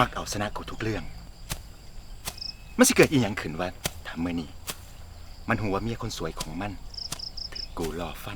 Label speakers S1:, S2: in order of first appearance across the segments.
S1: มักเอาชนะกูทุกเรื่องมันสิเกิดอีหยังขึ้นวะทำเมื่อนี้มันหัวเมียคนสวยของมันถึงกูรอฟัน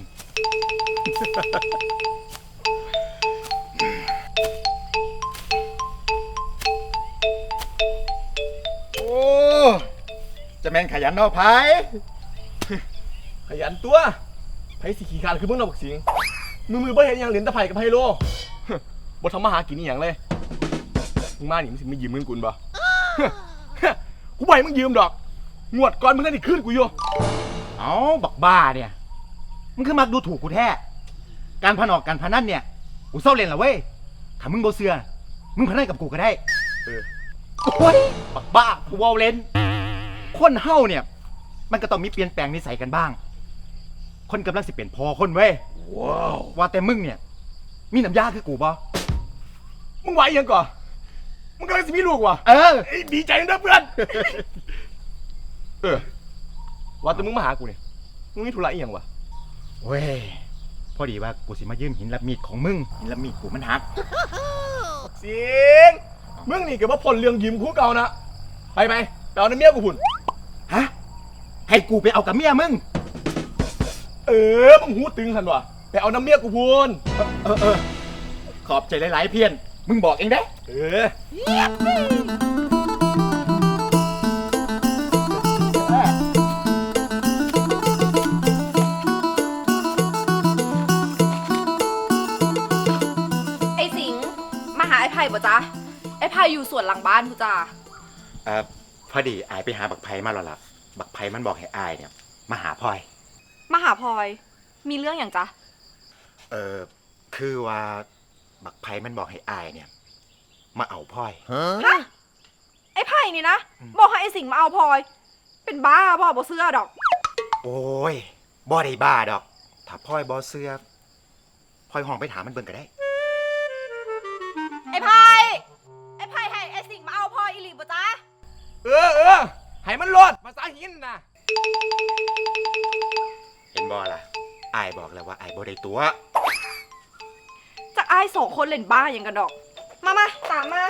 S1: โอ้จะแม่นขยันเนาะไผ
S2: ขยันตัวไผสิขี้ขลาดคือมึงเอาบักสิงมือบ่เห็นอย่างเหรียญตะไผ่กับไพโลบ่ทำมาหากินอีหยังเลยมึงมานี่มึงสิไม่ยืมเงินกูบ่กูบ่ให้มึงยืมดอกงวดก่อนมึงนั่นดิคืนกูอยู่
S1: เอ้าบักบ้าเนี่ยมึงคือมักดูถูกกูแท้การพนันการพนันเนี่ยกูเศร้าเล่นละเว้ยถ้ามึงบ่เชื่อมึงพนันกับกูก็ได้โอ้ยบักบ้ากูเว้าเล่นคนเฮาเนี่ยมันก็ต้องมีเปลี่ยนแปลงนิสัยกันบ้างคนกำลังสิเป็นพอคนเว้ยว้าวว่าแต่มึงเนี่ยมีน้ำยาคือกูบ่
S2: มึงไหวยังก่อนมึงกำลังสิมีลูกว่ะดีใจนะเพื่อนว่าแต่มึงมาหากูเนี่ยมึงมีธุระอีหยังวะ
S1: เว้ยพอดีว่ากูสิมายืมหินรับมีดของมึงหินรับมีดกูมันหัก
S2: เสียงมึงนี่เกิดว่าผลเรื่องยืมคู่เก่านะไปเอาน้ำเมียกูพุ่น
S1: ฮะให้กูไปเอากับเมียมึง
S2: มึงหูตึงสันวะไปเอาน้ำเมียกูพุ่น
S1: ขอบใจหลายๆเพียนมึงบอกเองได้
S3: ไอ้สิงมาหาไอ้ไผ่ป่ะจ๊ะไอ้ไผ่อยู่สวนหลังบ้านกูจ้า
S1: พอดีอายไปหาบักไผ่มาแล้วล่ะบักไผ่มันบอกให้อายเนี่ยมาหาพลอย
S3: มาหาพลอยมีเรื่องอย่างจ๊ะ
S1: คือว่าบักไผ่มันบอกให้อายเนี่ยมาเอาพลอย
S3: ฮะไอ้ไผ่นี่นะบอกให้ไอ้สิงมาเอาพลอยเป็นบ้าบ่เสื้อดอก
S1: โอ้ยบ่ได้บ้าดอกถ้าพลอยบ่เสื้อพลอยห้องไปถามมันเบิ่งก็ได้
S3: ไอ้ไผ่ให้ไอ้สิงมาเอาพลอยอีหลีป่ะจ๊ะ
S2: ให้มันรอดภาษาหินนะ
S1: เห็นบ่ล่ะอายบอกแล้วว่าอายบ่ได้ตัว
S3: จากไอ้สองคนเล่นบ้าอย่างกันดอกมาตามมา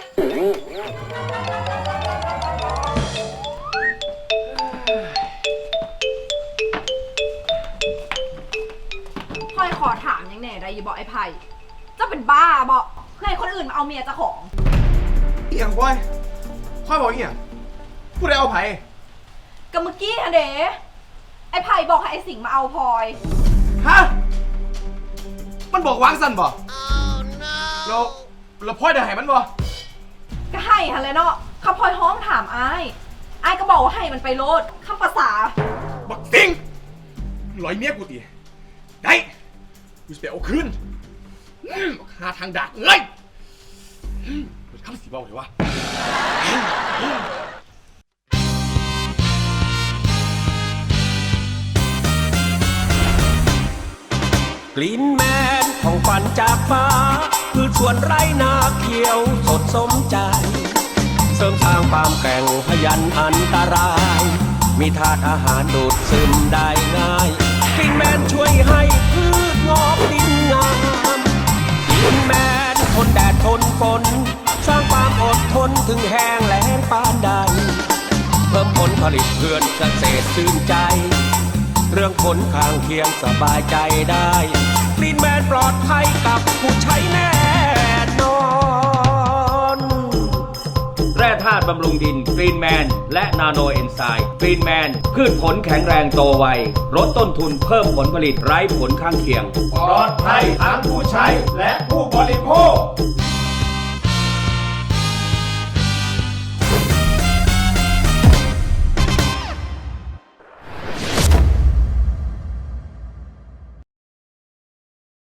S3: พลอยขอถามยังแน่ได้ยี่บอกไอ้ไผ่จะเป็นบ้าบอกเพื่อให้คนอื่นมาเอาเมียเจ้าของ
S2: เอียงพลอยบอกเอียงพูดได้เอาไผ่
S3: ก็เมื่อกี้อะเด๋ไอ้ไผ่บอกให้ไอ้สิงมาเอาพลอย
S2: ฮะมันบอกวางสั่นบ่เราพลอยได้ให้มันบ่
S3: ก็ให้ฮะเลยเนาะข้าพลอยห้องถามไอ้ก็บอกว่าให้มันไปโลดข้าภาษา
S2: บักสิงลอยเมียกูตีได้กูจะไปเอาคืนหาทางดักเลยข้าสีเบาเลยวะ
S4: กลิ่นแมนของฝันจากฟ้าคือสวนไร่นาเขียวสดสมใจเสริมสร้างความแกร่งพยันอันตรายมีธาตุอาหารดูดซึมได้ง่ายกลิ่นแมนช่วยให้พืชงอกดินงามกลิ่นแมนทนแดดทนฝนสร้างความอดทนถึงแห้งแล้งปานใดเพิ่มผลผลิตเพื่อนเกษตรชื่นใจเรื่องผลข้างเคียงสบายใจได้กลิ่นแมนปลอดภัยกับผู้ใช้แน่นอนแร่ธาตุบำรุงดินกรีนแมนและนาโนเอนไซม์กรีนแมนพืชผลแข็งแรงโตไวลดต้นทุนเพิ่มผลผลิตไร้ผลข้างเคียง
S2: ปลอดภัยทั้งผู้ใช้และผู้บริโภค